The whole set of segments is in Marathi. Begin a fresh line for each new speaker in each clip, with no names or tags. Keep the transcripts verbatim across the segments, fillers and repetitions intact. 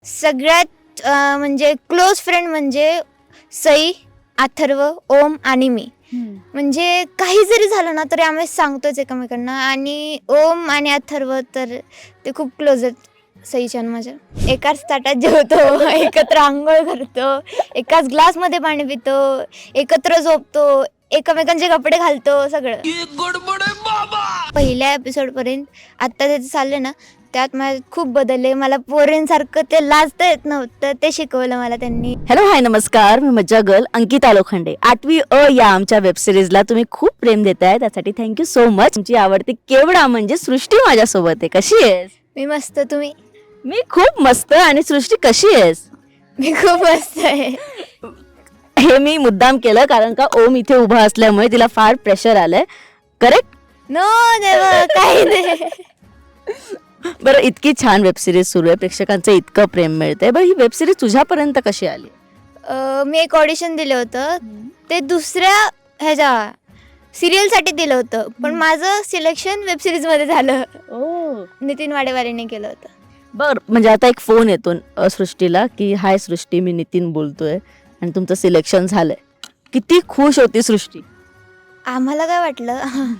सगळ्यात अ, म्हणजे क्लोज फ्रेंड म्हणजे सई, अथर्व, ओम आणि मी. म्हणजे काही जरी झालं ना तरी आम्ही सांगतोच एकमेकांना. आणि ओम आणि अथर्व तर ते खूप क्लोज आहेत सईच्या आणि माझ्या. एकाच ताटात जेवतो, एकत्र अंघोळ करतो, एकाच ग्लासमध्ये पाणी पितो, एकत्र झोपतो, एकमेकांचे कपडे घालतो, सगळं. पहिल्या एपिसोडपर्यंत आत्ता त्याचं चाललं ना, त्यात माझ्यात खूप बदलले. मला पोरींसारखं ते लाजता येत नव्हतं, ते शिकवलं मला त्यांनी.
हॅलो हाय नमस्कार, मी मज्जा गर्ल अंकिता लोखंडे. आठवी अ या आमच्या वेब सिरीजला तुम्ही खूप प्रेम देताय, त्यासाठी थँक्यू सो मच. तुमची आवडती केवढा म्हणजे सृष्टी माझ्यासोबत आहे. कशी आहेस?
मी मस्त, तुम्ही?
मी खूप मस्त. आणि सृष्टी कशी आहेस?
मी खूप मस्त आहे.
हे मी मुद्दाम केलं कारण का ओम इथे उभा असल्यामुळे तिला फार प्रेशर आलंय. करेक्ट?
नो देवा, काही नाही.
बरं, इतकी छान वेब सिरीज सुरू आहे, प्रेक्षकांचं इतकं प्रेम मिळतंय. बरं, ही वेब सिरीज तुझ्यापर्यंत कशी आली?
अ, मी एक ऑडिशन दिलं होतं, ते दुसऱ्या ह्याच्या सिरियलसाठी दिलं होतं, पण माझं सिलेक्शन वेब सिरीजमध्ये झालं.
ओ,
नितीन वाडेवालेने केलं होतं.
बर, म्हणजे आता एक फोन येतो अ, सृष्टीला की हाय सृष्टी, मी नितीन बोलतोय आणि तुमचं सिलेक्शन झालंय. किती खुश होती सृष्टी?
आम्हाला काय वाटलं,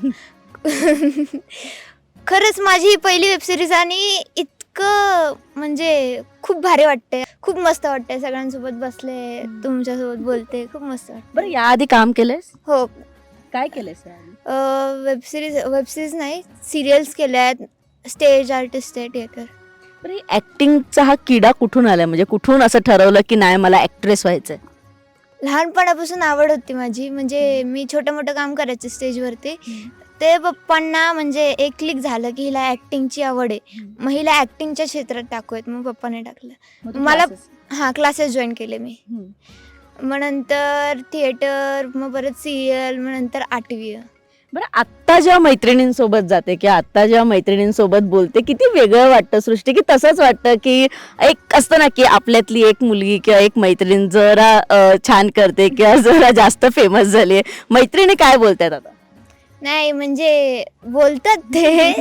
खरंच माझी ही पहिली वेब सिरीज आणि इतकं म्हणजे खूप भारी वाटते, खूप मस्त वाटते. सगळ्यांसोबत बसले, तुमच्यासोबत बोलते, खूप मस्त वाटतं.
बरं, याआधी काम केलंयस?
हो,
काय केलंयस याआधी?
वेब सिरीज वेब सिरीज नाही, सिरियल्स केल्या आहेत, स्टेज आर्टिस्ट आहे, थिएटर.
बरं, ऍक्टिंगचा हा किडा कुठून आलाय? म्हणजे कुठून असं ठरवलं की नाही मला ऍक्ट्रेस व्हायचंय?
लहानपणापासून आवड होती माझी. म्हणजे मी छोटं मोठं काम करायचे स्टेजवरती. ते पप्पांना म्हणजे एक क्लिक झालं की हिला ॲक्टिंगची आवड आहे, मग हिला ॲक्टिंगच्या क्षेत्रात टाकूयात. मग पप्पाने टाकलं मला. हां, क्लासेस जॉईन केले मी. मग नंतर थिएटर, मग परत सिरियल, मग नंतर आठवी.
बरं, आत्ता जेव्हा मैत्रिणींसोबत जाते किंवा आत्ता जेव्हा मैत्रिणींसोबत बोलते, किती वेगळं वाटतं सृष्टी? की तसंच वाटतं की एक असतं ना की आपल्यातली एक मुलगी किंवा एक मैत्रीण जरा अ, छान करते किंवा जरा जास्त फेमस झाली आहे, मैत्रिणी काय बोलतात आता?
नाही म्हणजे बोलतात ते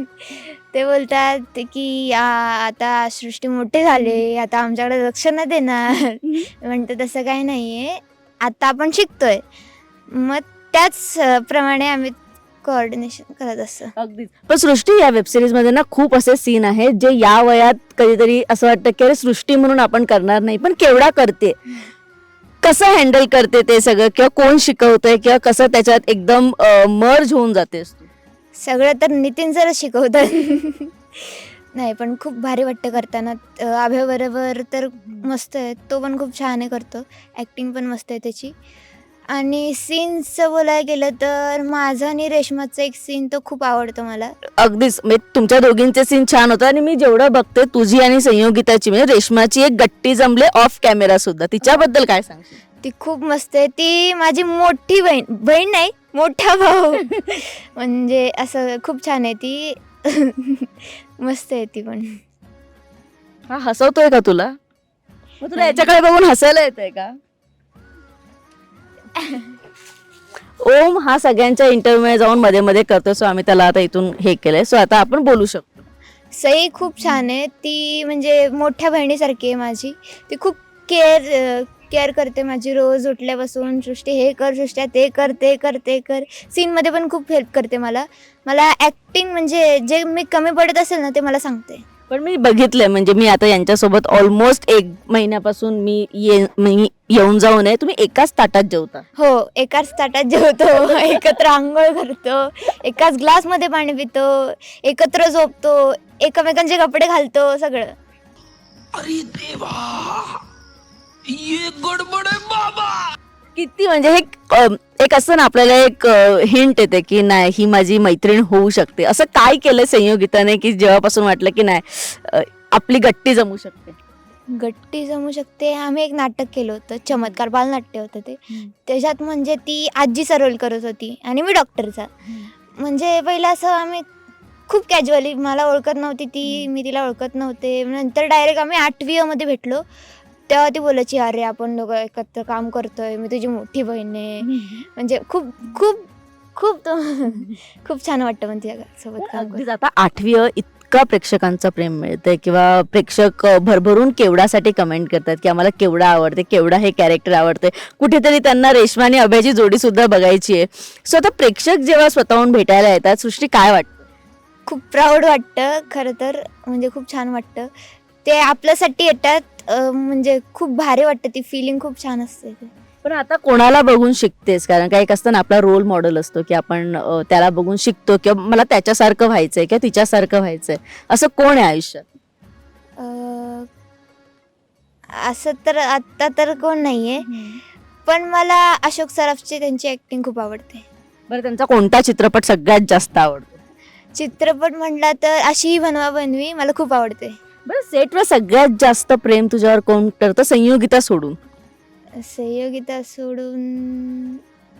ते बोलतात की आ, आता सृष्टी मोठे झाले, आता आमच्याकडे लक्ष नाही देणार. म्हणतं तसं काही नाही आहे, आता आपण शिकतोय. मग त्याच अ, प्रमाणे आम्ही कोऑर्डिनेशन करत असतो.
अगदीच. पण सृष्टी, या वेब सिरीज मध्ये ना खूप असे सीन आहेत जे या वयात कधीतरी असं वाटतं की अरे सृष्टी म्हणून आपण करणार नाही, पण केवढा करते. कसं हँडल करते ते सगळं, किंवा कोण शिकवतंय, किंवा कसं त्याच्यात एकदम मर्ज होऊन जातेस तू?
सगळं तर नितीन सरच शिकवतात. नाही, पण खूप भारी वाटतं करताना. अ, अभयबरोबर तर मस्त आहे, तो पण खूप छान आहे करतो, ॲक्टिंग पण मस्त आहे त्याची. आणि सीन्सचं बोलायला गेलं तर माझं आणि रेश्माचं एक सीन तो खूप आवडतो मला.
अगदीच, म्हणजे तुमच्या दोघींचे सीन छान होतं. आणि मी जेवढं बघते तुझी आणि संयोगिताची, म्हणजे रेश्माची एक गट्टी जमले ऑफ कॅमेरा सुद्धा, तिच्याबद्दल काय सांगशील?
ती खूप मस्त आहे. ती माझी मोठी बहीण बहीण नाही, मोठा भाऊ. म्हणजे असं खूप छान आहे ती. मस्त आहे ती पण.
हा हसवतोय का तुला? मग तुला याच्याकडे बघून हसायला येतंय का? ओम हा सगळ्यांच्या इंटरव्ह्यू जाऊन मध्ये मध्ये करतो, सो आम्ही त्याला आता इथून हे केलंय, सो आता आपण बोलू शकतो.
सई खूप छान आहे. ती म्हणजे मोठ्या बहिणीसारखी आहे माझी. ती खूप केअर केअर करते माझी. रोज उठल्यापासून सृष्टी हे कर, सृष्ट्या ते कर, ते कर, ते कर. सीनमध्ये पण खूप हेल्प करते मला. मला ॲक्टिंग म्हणजे जे मी कमी पडत असेल ना ते मला सांगते.
पण मी बघितलंय, म्हणजे मी आता यांच्यासोबत ऑलमोस्ट एक महिन्यापासून मी ये मी येऊन जाऊन आहे, तुम्ही एकाच ताटात जेवता?
हो, एकाच ताटात जेवतो, एकत्र अंघोळ करतो, एकाच ग्लासमध्ये पाणी पितो, एकत्र झोपतो, एकमेकांचे कपडे घालतो, सगळं.
अरे देवा, ये गडबड आहे बाबा.
किती म्हणजे हे अ, एक असं ना आपल्याला एक हिंट येते की नाही ही माझी मैत्रीण होऊ शकते. असं काय केलं संयोगिताने की जेव्हापासून वाटलं की नाही अ, आपली गट्टी जमू शकते?
गट्टी जमू शकते. आम्ही एक नाटक केलं होतं, चमत्कार बालनाट्य होतं ते. त्याच्यात म्हणजे ती आजीचा रोल करत होती आणि मी डॉक्टरचा. म्हणजे पहिलं असं आम्ही खूप कॅज्युअली, मला ओळखत नव्हती ती, मी तिला ओळखत नव्हते. नंतर डायरेक्ट आम्ही आठवी मध्ये भेटलो, तेव्हा ती बोलायची अरे आपण दोघं एकत्र काम करतोय, मी तुझी मोठी बहीण आहे. म्हणजे खूप खूप खूप तो खूप छान वाटतं पण तिच्यासोबत काम करून.
अगदीच. आता आठवी अ, इतका प्रेक्षकांचं प्रेम मिळतंय किंवा प्रेक्षक अ, भरभरून केवडासाठी कमेंट करतात की आम्हाला केवडा आवडते, केवडा हे कॅरेक्टर आवडते. कुठेतरी त्यांना रेश्मा आणि अभयची जोडी सुद्धा बघायची आहे. सो आता प्रेक्षक जेव्हा स्वतःहून भेटायला येतात, सृष्टी काय वाटतं?
खूप प्राऊड वाटतं खरं तर, म्हणजे खूप छान वाटतं. ते आपल्यासाठी येतात, अं, म्हणजे खूप भारी वाटतं, ती फिलिंग खूप छान असते ते.
पण आता कोणाला बघून शिकतेस? कारण काय एक असतं ना, आपला रोल मॉडेल असतो की आपण अ, त्याला बघून शिकतो किंवा मला त्याच्यासारखं व्हायचंय किंवा तिच्यासारखं व्हायचंय. असं कोण आहे आयुष्यात?
अं, असं तर आत्ता तर कोण नाही आहे, पण मला अशोक सराफची त्यांची ॲक्टिंग खूप आवडते.
बरं, त्यांचा कोणता चित्रपट सगळ्यात जास्त आवडतो?
चित्रपट म्हटला तर अशी बनवा बनवी मला खूप आवडते.
बरं, सेटवर सगळ्यात जास्त प्रेम तुझ्यावर कोण करतं संयोगिता सोडून?
सहयोगिता सोडून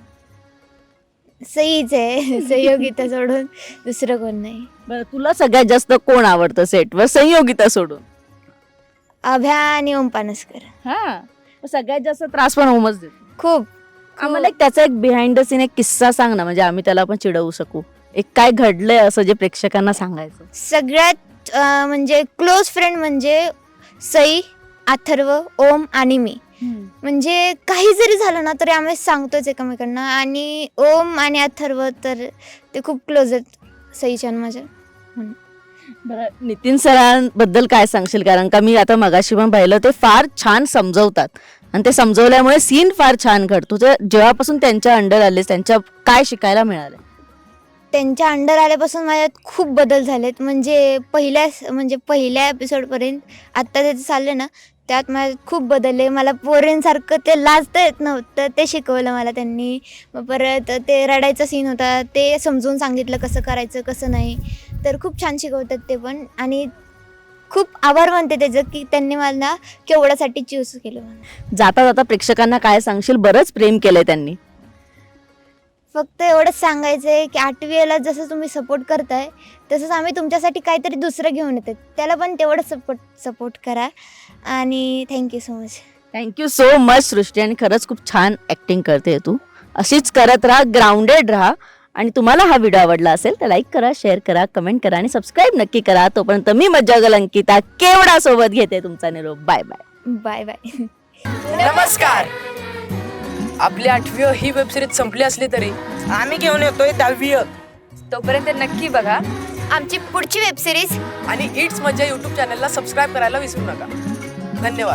सईच आहे. सहयोगिता सोडून दुसरं कोण नाही.
बरं, तुला सगळ्यात जास्त कोण आवडतं सेटवर संयोगिता सोडून?
अभ्या आणि ओम पानसकर.
हा, सगळ्यात जास्त त्रास पण ओमच देतो.
खूप
आम्हाला एक त्याचा एक बिहाइंड द सीन एक किस्सा सांग ना, म्हणजे आम्ही त्याला पण चिडवू शकू. एक काय घडलंय असं जे प्रेक्षकांना सांगायचं.
सगळ्यात अं, म्हणजे क्लोज फ्रेंड म्हणजे सई, अथर्व, ओम आणि मी. म्हणजे काही जरी झालं ना तरी आम्ही सांगतोच एकमेकांना. आणि ओम आणि अथर्व तर ते खूप क्लोज आहेत सईच्या आणि माझ्या.
बरं, नितीन सरांबद्दल काय सांगशील? कारण का मी आता मगाशी पण पाहिलं, ते फार छान समजवतात आणि ते समजवल्यामुळे सीन फार छान घडतो. तर जेव्हापासून त्यांच्या अंडर आलेस, त्यांच्या काय शिकायला मिळालं?
त्यांच्या अंडर आल्यापासून माझ्यात खूप बदल झालेत. म्हणजे पहिल्या म्हणजे पहिल्या एपिसोडपर्यंत आत्ता त्याचं चाललं ना, त्यात माझ्यात खूप बदलले. मला पोरींसारखं ते लाजता येत नव्हतं, ते शिकवलं मला त्यांनी. मग परत ते रडायचा सीन होता, ते समजून सांगितलं कसं करायचं कसं नाही. तर खूप छान शिकवतात ते पण. आणि खूप आभार मानते त्याचं की त्यांनी मला केवढ्यासाठी चूज केलं. मला
जाता जाता प्रेक्षकांना काय सांगशील? बरंच प्रेम केलंय त्यांनी.
फक्त एवढंच सांगायचं आहे की आठवीला जसं तुम्ही सपोर्ट करताय तसंच आम्ही तुमच्यासाठी काहीतरी दुसरं घेऊन येतात, त्याला पण तेवढंच सपोर्ट सपोर्ट करा. आणि thank you so much.
Thank you so much Srushti. आणि खरंच खूप छान ऍक्टिंग करते तू. अशीच करत राहा, ग्राउंडेड राहा. आणि तुम्हाला हा व्हिडिओ आवडला असेल तर लाईक करा, शेअर करा, कमेंट करा आणि सबस्क्राईब नक्की करा. तोपर्यंत मी मज्जागल अंकिता केवडा सोबत घेते तुमचा निरोप. Bye bye.
Bye bye.
नमस्कार. आपली आठवी ही वेबसिरीज संपली असली तरी आम्ही घेऊन येतोय दहावी.
तोपर्यंत नक्की बघा
आमची पुढची वेबसिरीज
आणि इट्स मज्जा यूट्यूब चॅनलला सबस्क्राईब करायला विसरू नका. धन्यवाद.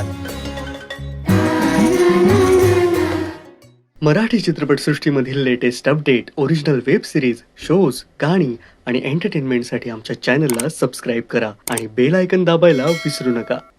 मराठी चित्रपटसृष्टीमधील latest update, original web series, shows, गाणी आणि एंटरटेनमेंटसाठी आमच्या चॅनलला सबस्क्राईब करा आणि बेल आयकन दाबायला विसरू नका.